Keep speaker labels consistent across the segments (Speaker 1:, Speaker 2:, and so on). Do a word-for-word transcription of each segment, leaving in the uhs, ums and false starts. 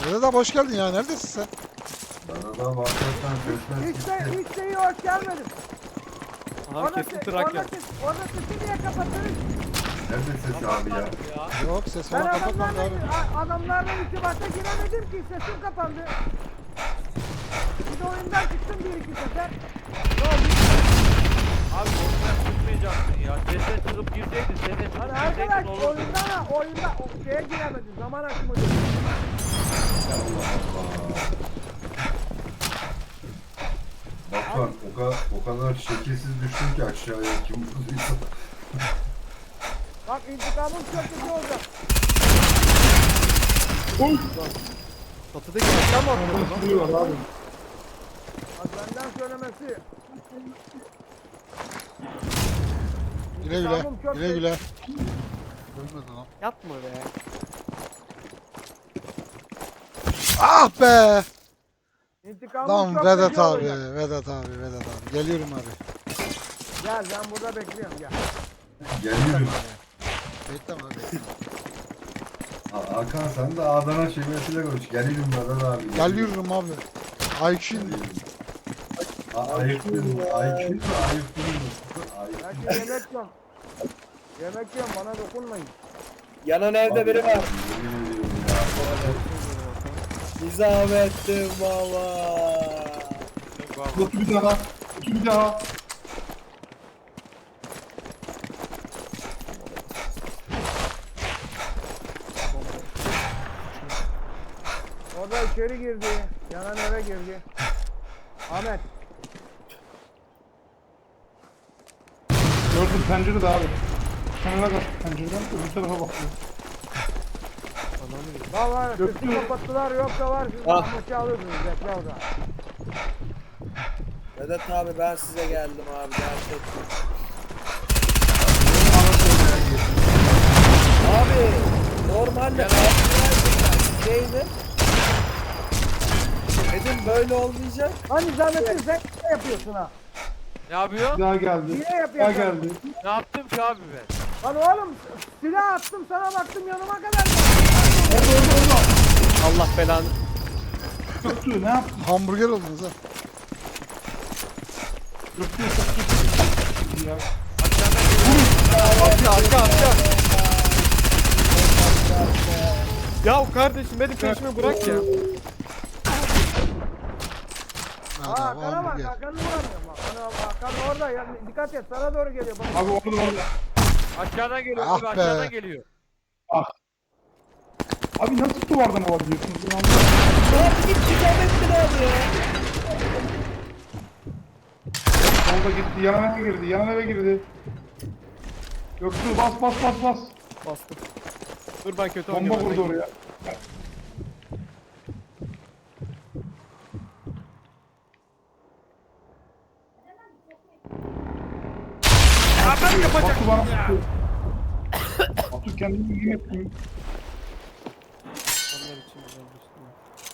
Speaker 1: Vedat abi hoş geldin ya. Neredesin sen?
Speaker 2: Bana da bahsetsen sesler
Speaker 3: Hiç de,
Speaker 2: gitti.
Speaker 3: hiç de iyi hoş gelmedim.
Speaker 4: Aha
Speaker 3: Orada,
Speaker 4: kesin
Speaker 3: se-
Speaker 4: trak
Speaker 3: orada,
Speaker 4: ya.
Speaker 3: ses, orada sesi niye kapattınız?
Speaker 2: Nerede ses abi ya?
Speaker 1: Yok ses
Speaker 3: Ben
Speaker 1: falan kapatmadı
Speaker 3: adamlarla,
Speaker 1: abi.
Speaker 3: a- adamlarla irtibata giremedim ki sesim kapandı. Bir de oyundan çıktım bir iki sefer.
Speaker 5: Abi oyundan çıkmayacaksın ya. Sese çıkıp girseydin, sese çıkıp
Speaker 3: Hani
Speaker 5: girseydin
Speaker 3: arkadaş
Speaker 5: olurdu.
Speaker 3: oyundan ha, oyunda o şeye giremedim. Zaman aşımı değil.
Speaker 2: Allah Allah. Batuhan o kadar, o kadar şekilsiz düştün ki aşağıya kim vurduysa.
Speaker 3: Bak intikamım çok kötü olacak.
Speaker 4: Çatıdaki aşağı mı atladı lan?
Speaker 3: Bak benden söylemesi.
Speaker 1: Güle güle.
Speaker 3: İntikamım çok
Speaker 1: Güle
Speaker 3: kötü.
Speaker 1: güle. Ölmedin lan.
Speaker 4: Yapma be.
Speaker 1: Ah be!
Speaker 3: İntikamım
Speaker 1: Lan
Speaker 3: çok
Speaker 1: Vedat
Speaker 3: kötü
Speaker 1: abi,
Speaker 3: olacak.
Speaker 1: Vedat abi, Vedat abi. Geliyorum abi.
Speaker 3: Gel ben burada bekliyorum gel.
Speaker 2: Geliyorum.
Speaker 1: Bekle abi. bekle.
Speaker 2: Ha- Hakan sen de Adana şivesiyle konuş. Geliyorum Vedat abi.
Speaker 1: Geliyorum abi. I Q
Speaker 2: A- Ayıktın mı? Ayıktın mı? Ayıktın mı? Ayıktın
Speaker 3: Belki yemek yok. Yemek yok bana dokunmayın.
Speaker 6: Yanan evde biri var.
Speaker 2: Yemin ediyorum ya.
Speaker 6: Nizamettin baba.
Speaker 7: Otur bir daha. Otur bir daha.
Speaker 3: O da içeri girdi. Yanan eve girdi. Ahmet.
Speaker 7: Gördüm pencerede abi. Kenara kaç pencereden öbür tarafa bakıyor.
Speaker 3: Valla
Speaker 7: Göktü.
Speaker 3: sesi kapattılar yoksa var siz
Speaker 6: Ah.
Speaker 3: Ahmet'i alırdınız bekle o zaman.
Speaker 6: Vedat abi ben size geldim abi gerçekten. Abi normalde neydi? Dedim böyle olmayacak.
Speaker 3: Hani zahmetin sen ne yapıyorsun ha?
Speaker 5: Ne yapıyor?
Speaker 7: Bir daha geldi.
Speaker 3: Niye
Speaker 7: Bir daha
Speaker 3: yapıyorsun?
Speaker 7: geldi.
Speaker 5: Ne yaptım ki abi ben?
Speaker 3: Lan oğlum silah attım sana baktım yanıma kadar.
Speaker 7: Orada orada orada.
Speaker 4: Allah belanı.
Speaker 7: Göktü ne yaptın?
Speaker 1: Hamburger oldunuz ha.
Speaker 7: Göktü Göktü. Ya.
Speaker 4: Arka arka arka. Ya kardeşim benim peşimi bırak ya.
Speaker 1: Hadi
Speaker 3: Aa
Speaker 1: abi
Speaker 3: Hakan'a bak
Speaker 1: hamburger.
Speaker 3: Hakan'ı vuramıyorum. Hakan, Hakan orada ya, dikkat et sana doğru geliyor. Bak.
Speaker 7: Abi orada orada.
Speaker 5: Aşağıdan geliyor
Speaker 1: Ah
Speaker 5: abi,
Speaker 1: be.
Speaker 5: aşağıdan geliyor.
Speaker 7: Abi nasıl duvardan olabiliyorsunuz? Ben anlamadım.
Speaker 6: Abi git Nizamettin abi ya.
Speaker 7: Solda gitti. Yan eve girdi. Yan eve girdi. Göktü bas bas bas bas.
Speaker 4: Bastım. Dur ben kötü
Speaker 7: Bomba
Speaker 4: oynuyorum.
Speaker 7: vurdu oraya. Batu bana sıkıyor. Batu kendini iyi etmiyor.
Speaker 4: Onlar için güzel bir şey.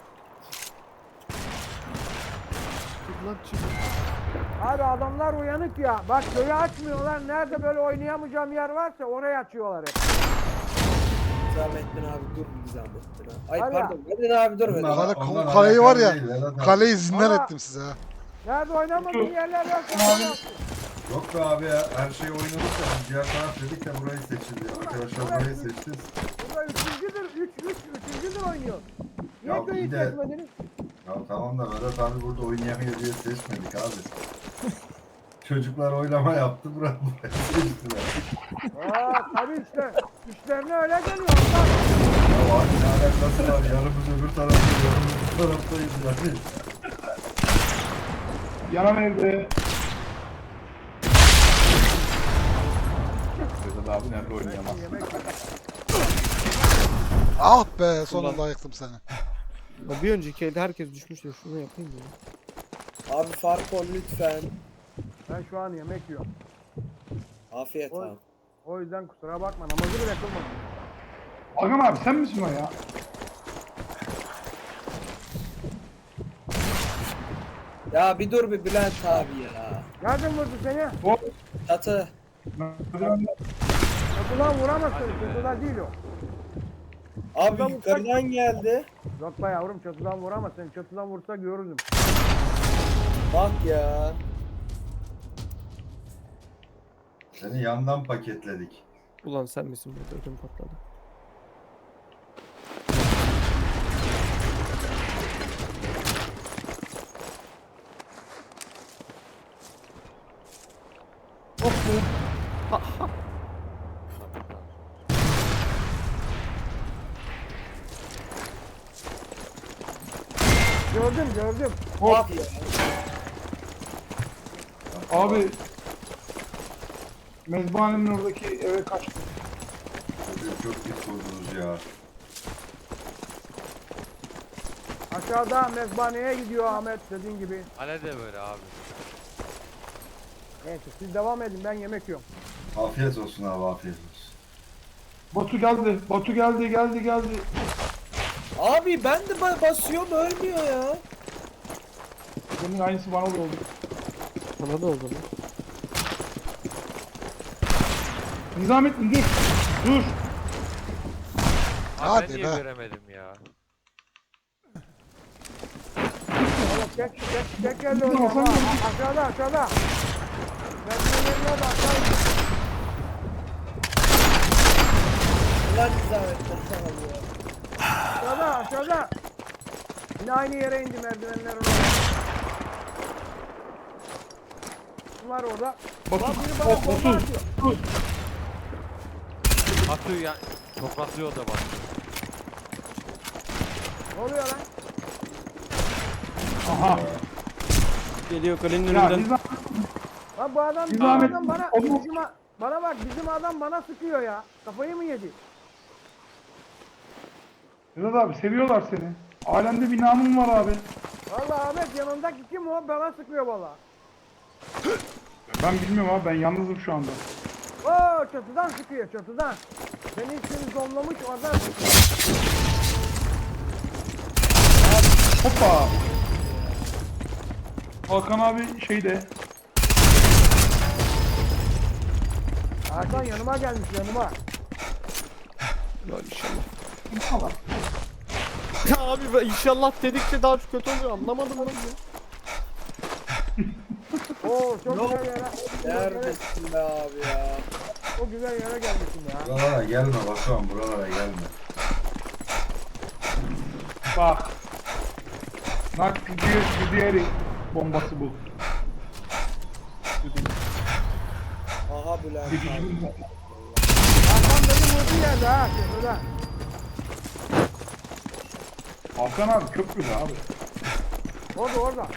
Speaker 4: Çık lan çık.
Speaker 3: Abi adamlar uyanık ya. Bak köyü açmıyorlar. Nerede böyle oynayamayacağım yer varsa oraya açıyorlar hep.
Speaker 6: Nizamettin abi dur Nizamettin abi. Ay
Speaker 3: Var ya.
Speaker 6: pardon Vedat abi dur Vedat.
Speaker 1: Kale,
Speaker 2: Onlar
Speaker 1: kaleyi var ya.
Speaker 2: alakalı değil, Vedat abi.
Speaker 1: Kaleyi zindan
Speaker 3: Ama-
Speaker 1: ettim size ha.
Speaker 3: Nerede oynamadığın yerler varsa
Speaker 7: Abi.
Speaker 3: oraya açıyor.
Speaker 2: Yok be abi ya, her şeyi oynadık da biz diğer taraf dedik de burayı seçildi. Arkadaşlar burayı seçti.
Speaker 3: Burada üçüncüdür. Üç, üç, üçüncüdür oynuyor. Niye
Speaker 2: Ya
Speaker 3: köyü
Speaker 2: iyi de-
Speaker 3: seçmediniz?
Speaker 2: Ya tamam da Vedat abi burada oynayamıyor diye seçmedik abi. Çocuklar oylama yaptı, burayı burayı seçtiler.
Speaker 3: Aa tabii işte. İşlerine öyle geliyor. Ondan.
Speaker 2: Ya abi ne alakası var, yarımız öbür tarafta, yarımız bu taraftayız yani.
Speaker 7: Yanan evde. Vedat abi nerede oynayamaz?
Speaker 3: Yemek
Speaker 1: Ah be sonunda ayıktım seni.
Speaker 4: Ya bir önceki elde herkes düşmüş ya şunu yapayım ya.
Speaker 6: Abi fark ol lütfen.
Speaker 3: Ben şu an yemek yiyorum.
Speaker 6: Afiyet
Speaker 3: Oy.
Speaker 6: abi.
Speaker 3: O yüzden kusura bakma namazı bile kılmadım.
Speaker 7: Hakan abi sen misin o ya?
Speaker 6: Ya bir dur bir Bülent abi ya.
Speaker 3: Nereden vurdu seni?
Speaker 7: O.
Speaker 6: Çatı.
Speaker 7: Merdivende.
Speaker 3: Kapıdan vuramazsın. Kapıda değil o.
Speaker 6: Abi yukarıdan geldi.
Speaker 3: Uzatma yavrum, çatıdan vuramaz. Sen çatıdan vursa görürdüm.
Speaker 6: Bak ya.
Speaker 2: Seni yandan paketledik.
Speaker 4: Ulan sen misin burada ödüm patladı.
Speaker 3: Gördüm gördüm.
Speaker 6: Bak ya.
Speaker 7: Abi mezbahanenin oradaki eve kaçtı.
Speaker 2: Çocuğu çok pis vurdunuz ya.
Speaker 3: Aşağıda mezbaneye gidiyor Ahmet dediğin gibi.
Speaker 5: Hale de böyle abi.
Speaker 3: Neyse siz devam edin, ben yemek yiyorum.
Speaker 2: Afiyet olsun abi, afiyet olsun.
Speaker 7: Batu geldi. Batu geldi geldi geldi.
Speaker 6: Abi ben de ba- basıyorum ölmüyor ya.
Speaker 7: Bunun aynısı bana da oldu.
Speaker 4: Bana da oldu lan.
Speaker 7: Nizamettin dur. Dur.
Speaker 5: Abi
Speaker 1: Hadi
Speaker 5: ben niye
Speaker 1: be.
Speaker 5: göremedim ya?
Speaker 3: Oğlum tek tek tek elle
Speaker 7: Tamam,
Speaker 3: oynuyorum
Speaker 7: sen
Speaker 3: ha. A- Aşağıda aşağıda. Merdivenlerin orada aşağı in.
Speaker 6: Ulan Nizamettin abi ya.
Speaker 3: Aşağıda aşağıda. Yine aynı yere indi merdivenler orada. Var orada.
Speaker 7: Batu.
Speaker 3: Lan biri bana
Speaker 7: Batu.
Speaker 3: bomba atıyor.
Speaker 7: Dur.
Speaker 5: Atıyor ya. Topraklıyor da bak.
Speaker 3: Ne oluyor lan?
Speaker 7: Aha.
Speaker 4: Geliyor kalenin
Speaker 7: Ya
Speaker 4: önünden.
Speaker 7: Nizam.
Speaker 3: Lan bu adam,
Speaker 7: Bir
Speaker 3: bu
Speaker 7: zahmet-
Speaker 3: adam bana,
Speaker 7: Oğlum.
Speaker 3: bizim, a- bana bak bizim adam bana sıkıyor ya. Kafayı mı yedi?
Speaker 7: Vedat abi seviyorlar seni. Alemde bir namın var abi.
Speaker 3: Vallahi Ahmet yanındaki kim o? Bana sıkıyor valla.
Speaker 7: Ben bilmiyorum abi, ben yalnızım şu anda.
Speaker 3: Oo çatıdan sıkıyor çatıdan. Beni içini zonlamış oradan sıkıyor.
Speaker 7: Hoppa. Hakan abi şeyde.
Speaker 3: Hakan yanıma gelmiş yanıma.
Speaker 4: Lan inşallah.
Speaker 7: Allah.
Speaker 4: Ya abi ben inşallah dedikçe daha çok kötü oluyor, anlamadım ben ya.
Speaker 3: Oo çok
Speaker 6: Yok.
Speaker 3: güzel yere. Çok güzel yere,
Speaker 6: Neredesin be abi ya?
Speaker 3: çok güzel yere gelmişsin ya.
Speaker 2: Buralara gelme Batuhan, buralara gelme.
Speaker 7: Bak. Nak gidiyor gidiyor bombası bu.
Speaker 6: Aha Bülent
Speaker 7: Gidiyor.
Speaker 6: abi.
Speaker 3: Hakan beni vurdu yerde ha çatıda.
Speaker 7: Hakan abi köprüde abi.
Speaker 3: Orada orada.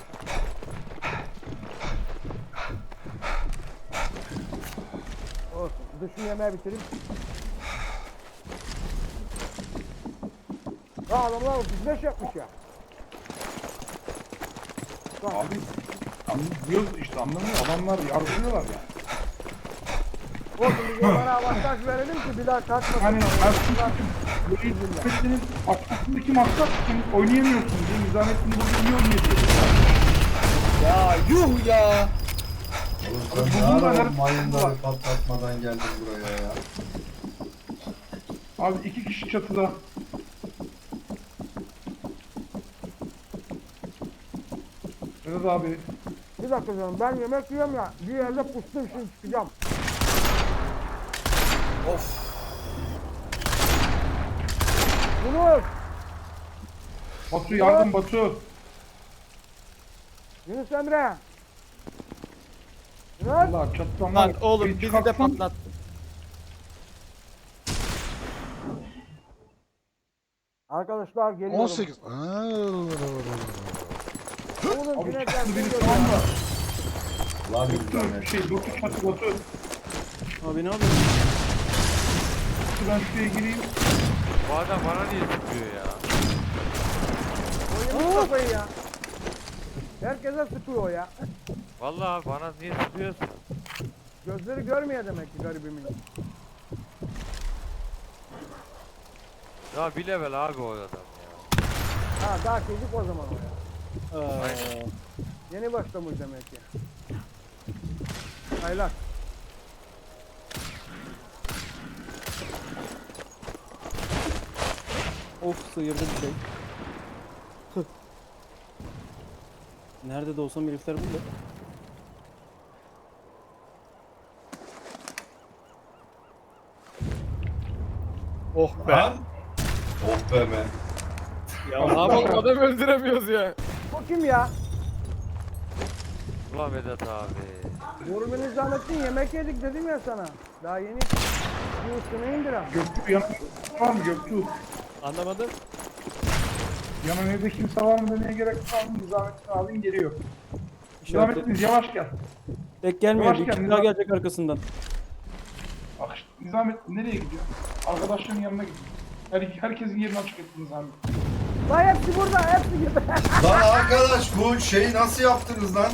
Speaker 3: Olsun. Dışını yemeği bitireyim. Ya adamlar otuz beş yapmış ya. Bak,
Speaker 7: Abi anlıyoruz işte, anlamıyor. Adamlar yardırıyorlar ya.
Speaker 3: olsun biz onlara avantaj verelim ki bir daha kaçmasın.
Speaker 7: Hani
Speaker 3: Bunlar-
Speaker 7: Böyle Nizamettin'in arkasındaki maksat sen oynayamıyorsun diye Nizamettin burada iyi oynayabiliyor.
Speaker 6: Ya yuh ya.
Speaker 2: Oğlum
Speaker 7: Abi
Speaker 2: sen
Speaker 7: bu
Speaker 2: ne
Speaker 7: bunlar
Speaker 2: ara
Speaker 7: her-
Speaker 2: mayınları patlatmadan geldin buraya ya.
Speaker 7: Abi iki kişi çatıda. Vedat abi.
Speaker 3: Bir dakika canım ben yemek yiyorum ya. Bir yerde pustum şimdi çıkacağım.
Speaker 6: Of.
Speaker 3: Yunus!
Speaker 7: Batu yardım Batu.
Speaker 3: Yunus Emre! Yunus!
Speaker 7: Allah çatıdan
Speaker 4: Lan
Speaker 7: var.
Speaker 4: oğlum
Speaker 7: Bir
Speaker 4: bizi de
Speaker 7: çıkartsan-
Speaker 4: patlattı.
Speaker 3: Arkadaşlar geliyorum.
Speaker 1: on sekiz. Aa,
Speaker 3: Oğlum
Speaker 7: Abi
Speaker 3: sinekler
Speaker 7: çatıda biri
Speaker 3: geliyor
Speaker 7: şu
Speaker 3: ya.
Speaker 7: anda.
Speaker 2: Lan bir
Speaker 7: Batu
Speaker 2: tane.
Speaker 7: şey Batu çatı Batu.
Speaker 4: Abi ne yapıyorsun?
Speaker 7: Batu ben şuraya gireyim.
Speaker 5: Bu adam bana niye sıkıyor ya?
Speaker 3: Oynamış kafayı ya. Herkese sıkıyor o ya.
Speaker 5: Vallahi bana niye sıkıyorsun?
Speaker 3: Gözleri görmüyor demek ki garibimin.
Speaker 5: Ya bir level abi o adam ya.
Speaker 3: Ha daha çocuk o zaman o ya.
Speaker 4: Aa,
Speaker 3: Yeni başlamış demek ki. Aylar.
Speaker 8: Of sıyırdı bir şey. Nerede de olsam herifler burada.
Speaker 4: Oh be.
Speaker 2: Lan. Oh be me.
Speaker 4: Ya ne yapalım adam öldüremiyoruz ya.
Speaker 3: O kim ya?
Speaker 5: Ulan Vedat abi.
Speaker 3: Vurgun Nizamettin yemek yedik dedim ya sana. Daha yeni bir üstüne indiren.
Speaker 7: Göktuğ yanına var mı Göktuğ?
Speaker 4: Anlamadım.
Speaker 7: Yanına evde kimse var mı demeye gerek var mı? Nizamettin abin geliyor.
Speaker 8: İşaret
Speaker 7: Nizamettin yavaş gel.
Speaker 8: Tek gelmiyor.
Speaker 7: Yavaş
Speaker 8: Bir
Speaker 7: gel,
Speaker 8: kişi
Speaker 7: Nizam.
Speaker 8: daha gelecek arkasından.
Speaker 7: Bak işte Nizamettin nereye gidiyor? Arkadaşların yanına gidiyor. Her, herkesin yerini açık etti Nizamettin.
Speaker 3: Lan hepsi burada, hepsi gibi.
Speaker 2: Lan arkadaş bu şeyi nasıl yaptınız lan?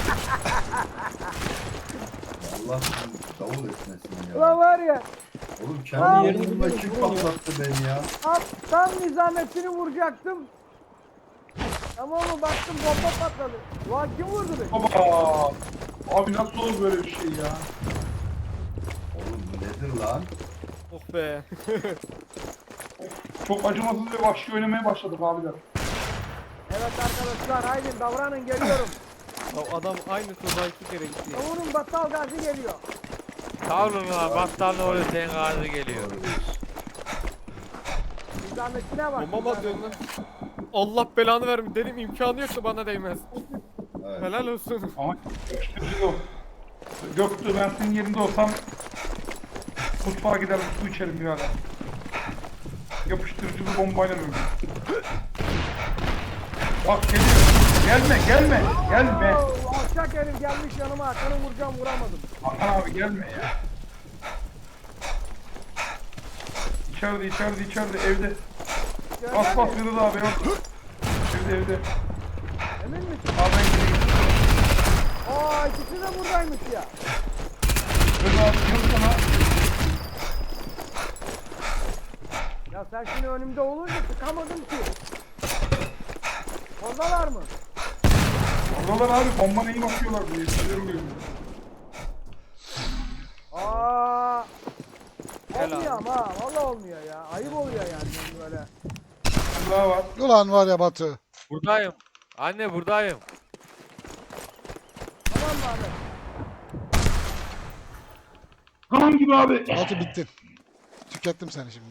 Speaker 2: Allah davul etmesin
Speaker 3: Ulan
Speaker 2: ya.
Speaker 3: var ya,
Speaker 2: Oğlum
Speaker 3: Aa,
Speaker 2: kendi
Speaker 8: yerini
Speaker 2: yerimle
Speaker 8: biliyorum,
Speaker 2: kim
Speaker 8: vuruyor.
Speaker 2: patlattı beni ya?
Speaker 3: tam, tam Nizamettin'i vuracaktım. Ama onu baktım bomba patladı. Ulan kim vurdu beni?
Speaker 7: Baba! Abi nasıl olur böyle bir şey ya?
Speaker 2: Oğlum bu nedir lan?
Speaker 4: Oh be.
Speaker 7: Çok acımasız ve vahşi oynamaya başladık abiler.
Speaker 3: Evet arkadaşlar haydi davranın geliyorum.
Speaker 4: Ya adam aynı turda iki kere gitti ya.
Speaker 3: Vurun battal gazi geliyor.
Speaker 5: Sağ olun lan. Battal ne oluyor senin ağzı geliyor.
Speaker 3: Nizamettin'e bak.
Speaker 4: Bombama dön lan. Allah belanı vermiş. Dedim imkanı yoksa bana değmez.
Speaker 2: Evet.
Speaker 4: Helal olsun.
Speaker 7: Ama yapıştırıcı da o. Göktuğ ben senin yerinde olsam mutfağa gider su içerim birader. Yapıştırıcı bir bombayla öldüm. Bak geliyor. Gelme gelme gelme.
Speaker 3: Oo, alçak herif gelmiş yanıma. Hakan'ı vuracağım vuramadım.
Speaker 7: Hakan abi gelme ya. İçeride içeride içeride evde. Bas bas Vedat abi yok. Evde evde.
Speaker 3: Emin misin?
Speaker 7: Abi ben gideyim.
Speaker 3: Aa ikisi de buradaymış ya.
Speaker 7: Vedat abi yok sana.
Speaker 3: Ya sen şimdi önümde olunca sıkamadım ki. Oradalar mı?
Speaker 7: Oralar abi bomba neyi bakıyorlar bu yetkililerim diyor.
Speaker 3: Aa.
Speaker 4: Helal.
Speaker 3: Olmuyor ama ha. Valla olmuyor ya. Ayıp oluyor yani böyle.
Speaker 7: Bir daha var.
Speaker 1: Ulan var ya Batu.
Speaker 5: Buradayım. Anne buradayım.
Speaker 3: Tamam mı abi?
Speaker 7: Kan gibi abi.
Speaker 1: Batu bittin. Tükettim seni şimdi.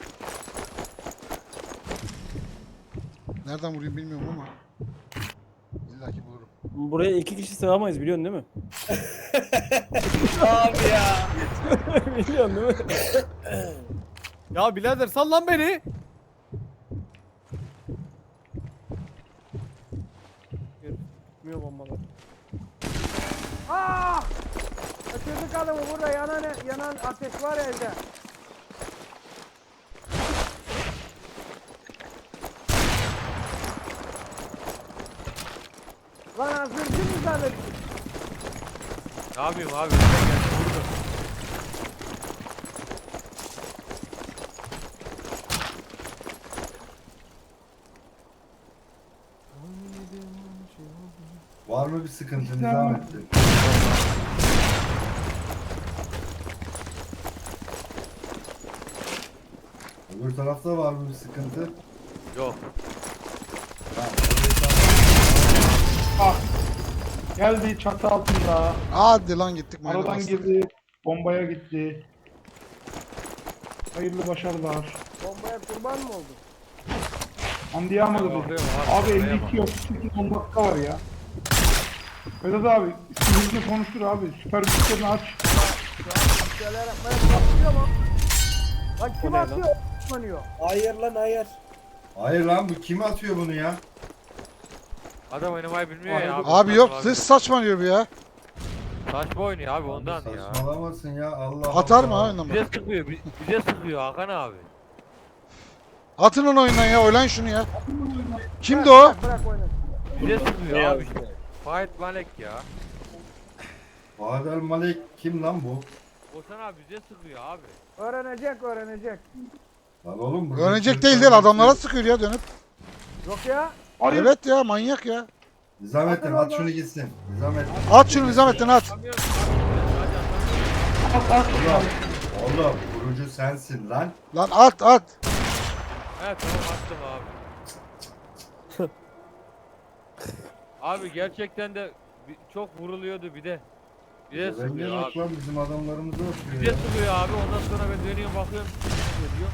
Speaker 1: Nereden vurayım bilmiyorum ama. İlla ki vururum.
Speaker 8: Buraya iki kişi sığamayız biliyorsun değil mi?
Speaker 6: Abi ya.
Speaker 8: Biliyorsun değil mi?
Speaker 4: Ya birader sal lan beni. Gitmiyor bombalar.
Speaker 3: Aa! Kaçırdık adamı burada yanan yanan ateş var evde. Lan hazırcı mı zannettin?
Speaker 5: Ne yapayım abi? Ben geldim vurdum.
Speaker 2: Var mı bir sıkıntı Nizamettin? Öbür tarafta var mı bir sıkıntı?
Speaker 5: Yok.
Speaker 2: Tamam.
Speaker 7: Ah. Geldi çatı altında.
Speaker 1: Hadi lan gittik mayına
Speaker 7: Aradan
Speaker 1: bastık.
Speaker 7: girdi. Bombaya gitti. Hayırlı başarılar.
Speaker 3: Bombaya kurban mı oldun?
Speaker 7: Anlayamadı bu.
Speaker 5: Bakıyorum
Speaker 7: Abi
Speaker 5: şuraya
Speaker 7: elli iki yok. sekiz on dakika var ya. Vedat abi sinirli konuştur abi. Süper güçlerini aç.
Speaker 3: Bir şeyler yapmaya çalışıyor ama. Lan kim
Speaker 8: ne lan?
Speaker 3: atıyor? Atmanıyor.
Speaker 6: Hayır lan hayır.
Speaker 2: Hayır lan bu kim atıyor bunu ya?
Speaker 5: Adam oynamayı bilmiyor ya abi.
Speaker 1: Abi yok siz saçmalıyor bu ya.
Speaker 5: Saçma oynuyor abi ondan ya.
Speaker 2: Saçmalamasın ya Allah
Speaker 1: Atar
Speaker 2: Allah.
Speaker 1: mı ha oyundan
Speaker 5: Bize
Speaker 1: bak.
Speaker 5: sıkıyor, bi- bize sıkıyor Hakan abi.
Speaker 1: Atın onu oyundan ya oylan şunu ya. Kimdi o?
Speaker 3: Bırak, bırak oynasın.
Speaker 5: Bize sıkıyor abi işte. Fahit Malek ya.
Speaker 2: Adel Malik kim lan bu?
Speaker 5: Oğuzhan abi bize sıkıyor abi.
Speaker 3: Öğrenecek öğrenecek.
Speaker 2: Lan oğlum bu.
Speaker 1: Öğrenecek değil değil adamlara sıkıyor ya dönüp.
Speaker 3: Yok ya.
Speaker 7: Hayır.
Speaker 1: Evet ya manyak ya.
Speaker 2: Nizamettin at şunu gitsin. Nizamettin.
Speaker 1: At şunu Nizamettin at.
Speaker 5: Atamıyorum. Hadi atamıyorum.
Speaker 7: At at.
Speaker 2: Oğlum, oğlum vurucu sensin lan.
Speaker 1: Lan at at.
Speaker 5: He tamam attım abi. Abi gerçekten de bi- çok vuruluyordu bir de. Bir de
Speaker 2: Renge
Speaker 5: sıkıyor
Speaker 2: bak
Speaker 5: abi.
Speaker 2: lan bizim adamlarımızı
Speaker 5: Bir
Speaker 2: öpüyor
Speaker 5: de
Speaker 2: ya.
Speaker 5: sıkıyor abi ondan sonra ben dönüyorum bakıyorum. Diyor.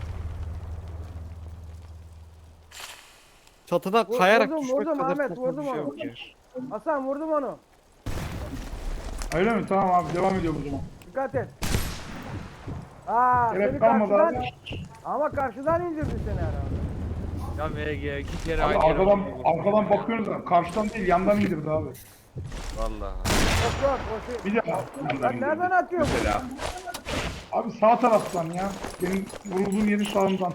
Speaker 4: Çatıda
Speaker 3: Vur-
Speaker 4: kayarak
Speaker 3: vurdum,
Speaker 4: düşmek
Speaker 3: vurdum
Speaker 4: kadar
Speaker 3: Ahmet,
Speaker 4: korkunç
Speaker 3: vurdum
Speaker 4: bir şey
Speaker 3: onu.
Speaker 4: yok ya.
Speaker 3: Hasan vurdum onu.
Speaker 7: Öyle mi? Tamam abi devam ediyorum o zaman.
Speaker 3: Dikkat et. Aa,
Speaker 7: Gerek
Speaker 3: seni
Speaker 7: kalmadı
Speaker 3: karşıdan...
Speaker 7: abi.
Speaker 3: Ama karşıdan indirdi seni herhalde.
Speaker 5: Ya M G iki kere
Speaker 7: Abi
Speaker 5: aynı yere
Speaker 7: arkadan,
Speaker 5: vurdu.
Speaker 7: arkadan bakıyoruz da karşıdan değil yandan indirdi abi.
Speaker 5: Vallahi.
Speaker 3: Yok yok o şey.
Speaker 7: Bir de yandan
Speaker 3: Lan nereden
Speaker 7: indirdi.
Speaker 3: atıyor bu?
Speaker 7: Mesela. Abi sağ taraftan ya. Benim vurulduğum yerin sağından.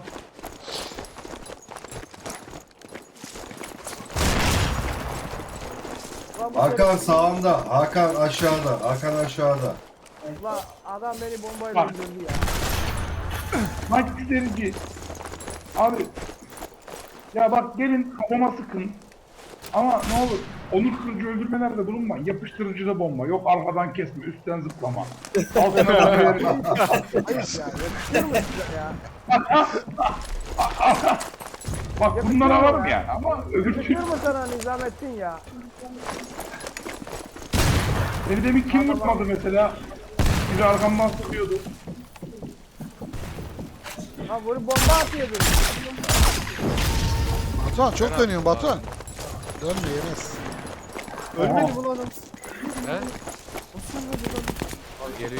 Speaker 3: Lan bu
Speaker 2: Hakan
Speaker 3: seni-
Speaker 2: sağında, Hakan aşağıda, Hakan aşağıda.
Speaker 3: Ulan adam beni bombayla
Speaker 7: Bak.
Speaker 3: öldürdü ya.
Speaker 7: Mike Derici. Abi. Ya bak gelin kafama sıkın. Ama ne olur onur kırıcı öldürmelerde bulunmayın. Yapıştırıcıda bomba. Yok arkadan kesme, üstten zıplama. Altına bakıyor.
Speaker 3: Ayıp ya. Yakışır mı size ya?
Speaker 7: Bak bunlara varım yani ama öbür
Speaker 3: Yakışır
Speaker 7: türlü.
Speaker 3: mı sana Nizamettin ya?
Speaker 7: Beni demin kim vurmadı mesela? Biri arkamdan sıkıyordu.
Speaker 3: Ha vurup bomba atıyordu.
Speaker 1: Batuhan çok dönüyorsun Batuhan. Dönme yemez.
Speaker 4: Ölmedi bu lan adam.
Speaker 5: He?
Speaker 4: Nasıl ölmedi lan?
Speaker 5: Al geliyor.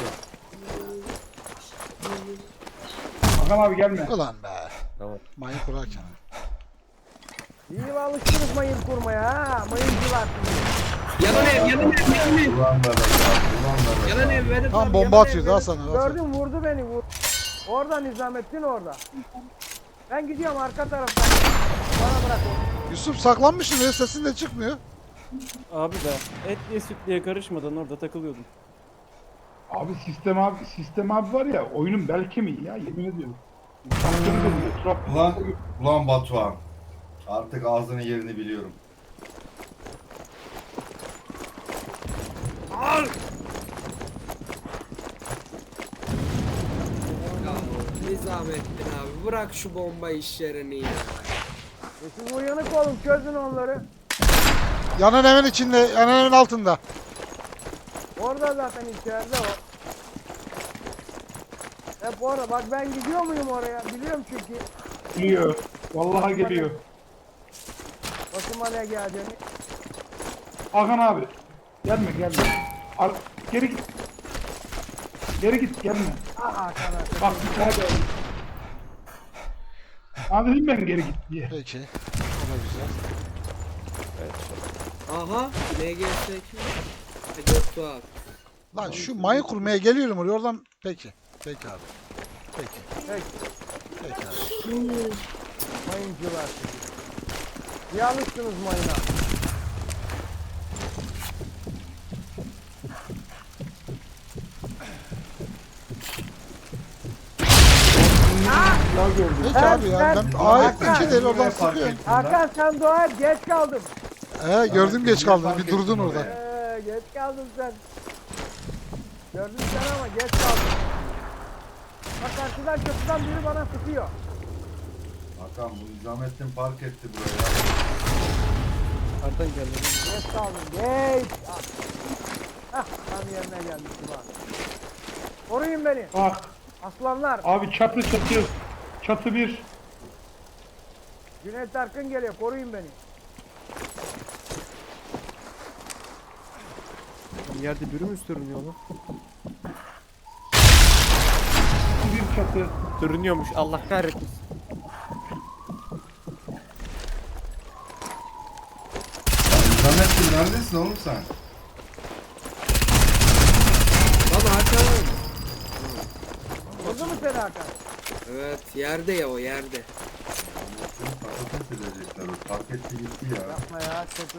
Speaker 7: Hakan abi gelme.
Speaker 1: Ulan be.
Speaker 5: Tamam.
Speaker 1: Mayın kurarken.
Speaker 3: İyi alıştınız mayın kurmaya ha. Mayıncılar.
Speaker 6: Yalan ev, yalan ev, yalan ev.
Speaker 2: Ulan da ulan da
Speaker 6: Yalan ev, Vedat
Speaker 1: Tam
Speaker 6: abi,
Speaker 1: bomba
Speaker 6: yalan ev,
Speaker 1: atıyordu ha
Speaker 6: Vedat-
Speaker 1: sana. Batuhan.
Speaker 3: Gördüm vurdu beni vur. Orada Nizamettin orada. Ben gidiyorum arka taraftan. Bana bırak onu.
Speaker 1: Yusuf saklanmışsın ya sesin de çıkmıyor.
Speaker 8: Abi de etliye sütlüye karışmadan orada takılıyordum.
Speaker 7: Abi sistem abi sistem abi var ya oyunun bel kemiği ya yemin ediyorum. Taktığını da diyor.
Speaker 2: Ulan, ulan Batuhan. Artık ağzının yerini biliyorum.
Speaker 6: Ya Nizamettin abi bırak şu bomba işlerini ya.
Speaker 3: E siz uyanık olun çözün onları.
Speaker 1: Yanan evin içinde, yanan evin altında.
Speaker 3: Orada zaten içeride o. Hep orada. Bak ben gidiyor muyum oraya? Biliyorum çünkü.
Speaker 7: Geliyor. Vallahi geliyor.
Speaker 3: Başıma ne geldiğini.
Speaker 7: Hakan abi. Gelme gelme. Ar geri git. Geri git gelme.
Speaker 3: Aha sana.
Speaker 7: Bak bir tane geldi. Abi dedim ben geri git diye.
Speaker 1: Peki. O da güzel.
Speaker 6: Aha N G S iki. Göktuğ abi.
Speaker 1: Lan şu mayın kurmaya geliyorum oraya oradan. Peki. Peki abi. Peki.
Speaker 3: Peki.
Speaker 1: Peki abi.
Speaker 3: Mayıncılar. İyi alıştınız mayına.
Speaker 7: Ya gördüm.
Speaker 1: Peki
Speaker 3: Ben-
Speaker 1: abi ya.
Speaker 3: ben-
Speaker 1: Ben A'ya
Speaker 3: Hakan,
Speaker 1: iki deli oradan
Speaker 2: Niye fark
Speaker 1: sıkıyorum.
Speaker 2: ettin lan?
Speaker 3: Hakan sen dua et geç kaldım.
Speaker 1: He gördüm geç
Speaker 2: Niye
Speaker 1: kaldın.
Speaker 2: fark
Speaker 1: Bir durdun
Speaker 2: ettin
Speaker 1: orada.
Speaker 2: oraya?
Speaker 3: Ee, geç kaldın sen. Gördün sen ama geç kaldın. Bak karşıdan köprüden biri bana sıkıyor.
Speaker 2: Hakan bu Nizamettin park etti buraya.
Speaker 4: Nereden geldi?
Speaker 3: Geç kaldın geç. Ah. Hah tam yerine gelmiştim abi. Koruyun beni.
Speaker 7: Bak
Speaker 3: Aslanlar.
Speaker 7: abi çatı çatı. Çatı bir.
Speaker 3: Cüneyt Arkın geliyor koruyun beni.
Speaker 4: Bir yerde biri mi sürünüyor lan?
Speaker 7: Bir çatı.
Speaker 4: Sürünüyormuş Allah kahretmesin.
Speaker 2: Nizamettin neredesin oğlum sen?
Speaker 6: Baba Hakan abi.
Speaker 3: Vurdu mu seni Hakan?
Speaker 6: Evet yerde ya o yerde.
Speaker 2: Seni patates edecekler. o. Park etti gitti ya.
Speaker 3: Yapma ya. Çok...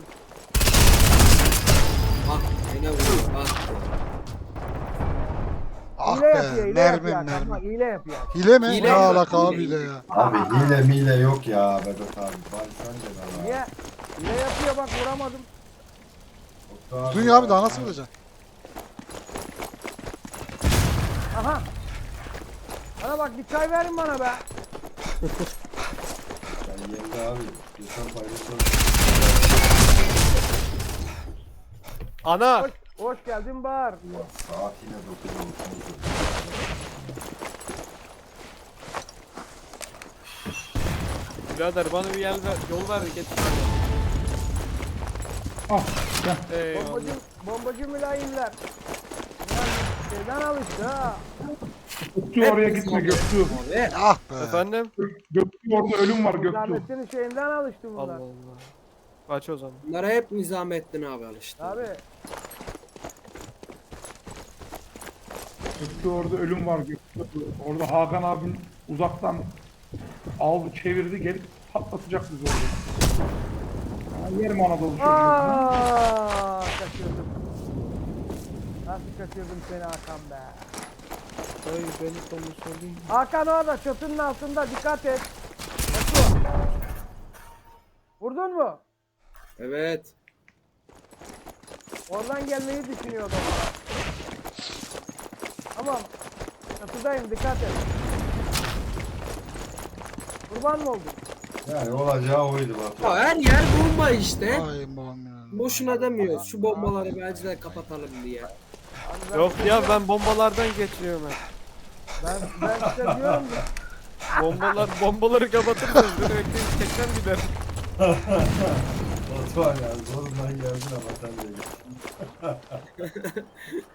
Speaker 6: Bak yine vuruyor bak.
Speaker 1: Ah
Speaker 3: hile yapıyor,
Speaker 1: be.
Speaker 3: hile yapıyor.
Speaker 1: Mermim
Speaker 3: Hakan, bak,
Speaker 1: mermim.
Speaker 3: hile yapıyor.
Speaker 1: Hile mi?
Speaker 6: Hile
Speaker 1: Ne
Speaker 6: mi?
Speaker 1: alaka
Speaker 6: Hile.
Speaker 1: abi hile ya.
Speaker 2: Abi hile mile yok ya Vedat abi. Bari sen de lan ha.
Speaker 3: Niye? Hile yapıyor bak vuramadım.
Speaker 2: Oktay
Speaker 1: Dünya abi daha nasıl vuracaksın?
Speaker 3: Aha. Bana bak bir çay verin bana be.
Speaker 2: Yani yenge abi. Geçen paylaşalım.
Speaker 5: Ana!
Speaker 3: Hoş, hoş geldin Bahar.
Speaker 2: Saat yine dokuz oldu.
Speaker 5: Birader bana bir yer ver, yol ver getir.
Speaker 7: Al gel.
Speaker 5: Eyvallah.
Speaker 3: Bombacı, bombacı mülayimler. Ulan şeyden alıştı ha.
Speaker 7: Göktuğ oraya gitme Göktuğ.
Speaker 1: Ah be.
Speaker 5: Efendim?
Speaker 7: Göktuğ orada ölüm var Göktuğ.
Speaker 3: Zahmettin şeyinden alıştı
Speaker 5: Allah
Speaker 3: bunlar.
Speaker 5: Allah. Kaç o zaman.
Speaker 6: Bunlara hep Nizamettin abi alıştı.
Speaker 3: Abi
Speaker 7: Göktuğ orada ölüm var Göktuğ. Orada Hakan abin uzaktan aldı çevirdi gelip patlatacak bizi orada. Ya, yerim Anadolu çocuğu.
Speaker 3: aaa kaçırdım. Nasıl kaçırdım seni Hakan be.
Speaker 4: Ay beni konuşalım.
Speaker 3: Hakan orada çatının altında dikkat et. Nasıl? Vurdun mu?
Speaker 6: Evet.
Speaker 3: Oradan gelmeyi düşünüyordum. Tamam. Çatıdayım dikkat et. Kurban mı oldun?
Speaker 2: Yani olacağı oydu bak.
Speaker 6: Ya her yer bomba işte.
Speaker 1: Ay babam ya.
Speaker 6: Boşuna demiyoruz. Şu bombaları bence de kapatalım diye.
Speaker 3: Abi ben-
Speaker 5: Yok ya ben bombalardan geçiyorum hep.
Speaker 3: Ben, ben size diyorum ki
Speaker 5: Bombalar, bombaları kapatırsanız direkt tekten gider.
Speaker 2: Batuhan ya zorundan geldin ama sen de gel.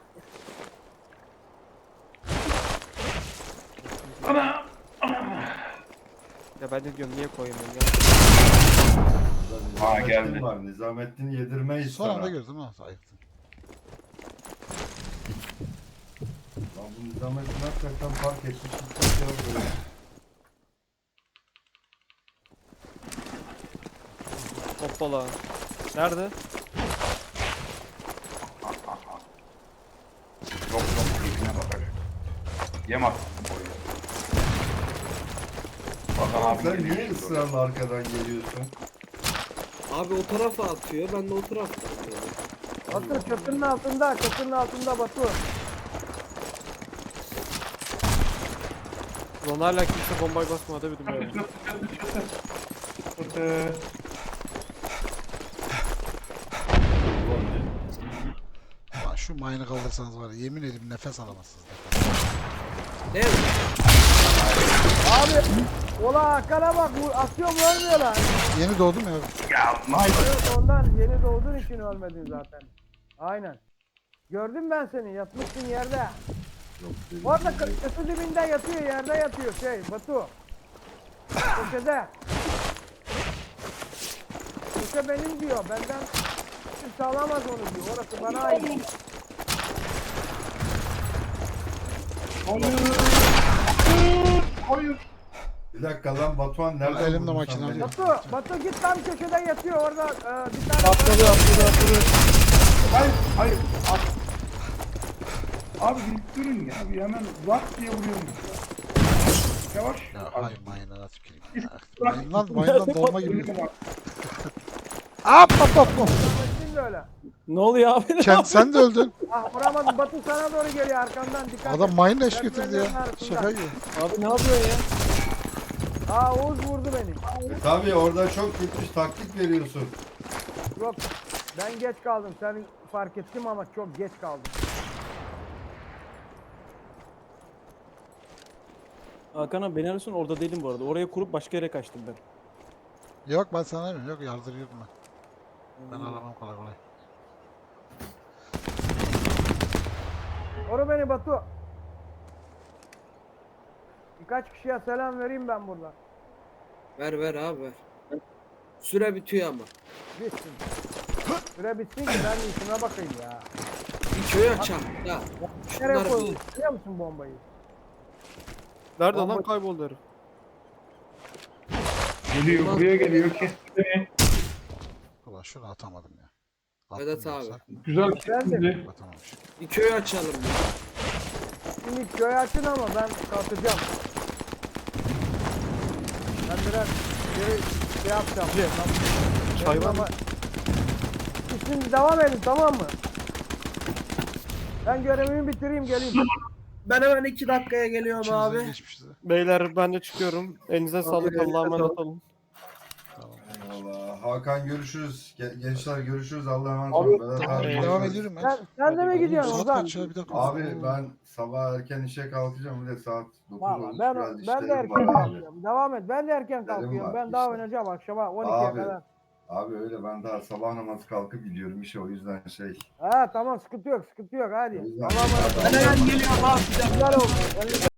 Speaker 5: Ya ben de diyorum niye koymuyorum ya.
Speaker 2: Ha
Speaker 7: Ha, geldi.
Speaker 2: var. Nizamettin yedirmeyiz
Speaker 1: Son
Speaker 2: sana.
Speaker 1: anda gördüm ha. Ayıptın.
Speaker 2: Lan bu Nizamettin hakikaten fark etmiş. Hiç yok böyle.
Speaker 5: Hoppala. Nerede?
Speaker 7: Yok yok keyfine bakar. Yem at. Hakan abi
Speaker 2: Sen
Speaker 7: geliyor
Speaker 2: niye
Speaker 7: şimdi
Speaker 2: ısrarla arkadan geliyorsun?
Speaker 6: Abi o tarafa atıyor. Ben de o tarafa atıyorum.
Speaker 3: Batu çatının altında, çatının altında Batu.
Speaker 5: Ulan hala kimse bombayı basmadı bir
Speaker 7: oraya.
Speaker 5: ya.
Speaker 7: Çatı, çatı, çatı, çatı.
Speaker 1: Lan şu mine'ı kaldırsanız var ya yemin ederim nefes alamazsınız.
Speaker 6: Değil mi?
Speaker 3: Abi, ola Hakan'a bak, bu atıyorum ölmüyorlar.
Speaker 1: Yeni doğdum ya.
Speaker 7: Ya Michael.
Speaker 3: Evet, ondan yeni doğduğun için ölmedin zaten. Aynen. Gördüm ben seni, yatmışsın yerde. Orada kı- kısı dibinde yatıyor, yerde yatıyor şey, Batu. Köşede. Köşe benim diyor, benden kimse alamaz onu diyor, orası bana ait.
Speaker 7: Hayır. Hayır.
Speaker 2: Bir dakika lan Batuhan nereden
Speaker 1: Elimde
Speaker 2: buldun
Speaker 1: makine
Speaker 2: sen beni?
Speaker 1: var.
Speaker 3: Batu, Batu git tam köşede yatıyor orada, e, bir tane...
Speaker 7: Atladı atladı atladı. Hayır hayır. At. Abi bir durun ya. Bir hemen zat diye vuruyormuş ya. Yavaş.
Speaker 1: Ya
Speaker 7: Abi,
Speaker 1: hay mine'ı tüküreyim.
Speaker 7: bırak.
Speaker 1: Mine'dan, mine'dan dolma gibi.
Speaker 7: Önüne bak.
Speaker 1: Hop hop hop hop.
Speaker 3: Şimdi öyle.
Speaker 8: Ne oluyor abi?
Speaker 1: Sen, sen de öldün.
Speaker 3: Ah vuramadım, Batu sana doğru geliyor arkandan, dikkat
Speaker 1: Adam
Speaker 3: et.
Speaker 1: mine eş getirdi ya. Şaka gibi.
Speaker 8: Abi ne yapıyorsun ya?
Speaker 3: Aa Oğuz vurdu beni.
Speaker 2: E tabi orada çok gitmiş taktik veriyorsun.
Speaker 3: Yok ben geç kaldım. Sen fark ettim ama çok geç kaldım.
Speaker 8: Hakan abi beni arıyorsun orada değilim bu arada. Oraya kurup başka yere kaçtım ben.
Speaker 1: Yok ben sana demiyorum. Yok yardırıyordum ben. Ben aramam kolay kolay.
Speaker 3: Oru beni Batu. Birkaç kişiye selam vereyim ben burada.
Speaker 6: Ver ver abi ver. Süre bitiyor ama.
Speaker 3: Bitsin. Süre bitsin ki ben de işime bakayım ya.
Speaker 6: Bir köy açalım ya.
Speaker 3: Nereye
Speaker 6: Şunları
Speaker 3: koydun?
Speaker 6: bir...
Speaker 3: Biliyor musun bombayı?
Speaker 5: Nerede
Speaker 3: Bomba-
Speaker 5: lan kayboldu herif?
Speaker 7: Geliyor buraya geliyor. Kesti beni.
Speaker 1: Ulan şunu atamadım ya.
Speaker 6: Vedat
Speaker 1: Attım
Speaker 6: abi.
Speaker 1: yoksa
Speaker 7: Güzel kesti.
Speaker 1: atamamış.
Speaker 6: Bir köy açalım ya.
Speaker 3: Şimdi köy açın ama ben kalkacağım. Ben biraz geri şey yapacağım.
Speaker 5: Çay var mı?
Speaker 3: Ama- Şimdi devam edin tamam mı? Ben görevimi bitireyim geleyim.
Speaker 6: Ben hemen iki dakikaya geliyorum
Speaker 1: İçimizden
Speaker 6: abi.
Speaker 1: geçmişti.
Speaker 8: Beyler ben de çıkıyorum. Elinize sağlık.
Speaker 4: elinize
Speaker 8: Allah'a emanet
Speaker 4: sağlık.
Speaker 8: olun.
Speaker 2: Eyvallah. Hakan görüşürüz. Ge- Gençler görüşürüz. Allah'a emanet
Speaker 7: Abi,
Speaker 2: olun. Vedat
Speaker 1: Tamam,
Speaker 2: abi
Speaker 1: devam
Speaker 2: görüşürüz.
Speaker 1: ediyorum ben.
Speaker 3: Sen, sen de mi
Speaker 8: Hadi
Speaker 3: gidiyorsun
Speaker 1: Saat
Speaker 3: Ozan?
Speaker 1: kaç ya bir dakika.
Speaker 2: Abi ben sabah erken işe kalkacağım. Bir de saat dokuz
Speaker 3: Valla
Speaker 2: olmuş.
Speaker 3: ben,
Speaker 2: Biraz
Speaker 3: ben de
Speaker 2: işlerim
Speaker 3: erken
Speaker 2: var abi.
Speaker 3: kalkıyorum. Devam et. Ben de erken
Speaker 2: İşlerim
Speaker 3: kalkıyorum.
Speaker 2: var,
Speaker 3: Ben daha
Speaker 2: işte.
Speaker 3: oynayacağım akşama on ikiye
Speaker 2: Abi,
Speaker 3: kadar.
Speaker 2: Abi öyle ben daha sabah namazı kalkıp gidiyorum işe o yüzden şey.
Speaker 3: Ha tamam sıkıntı yok sıkıntı yok hadi.
Speaker 2: O yüzden-
Speaker 3: Allah'a emanet olun.
Speaker 6: Ben hemen geliyorum abi.
Speaker 3: Güzel oldu.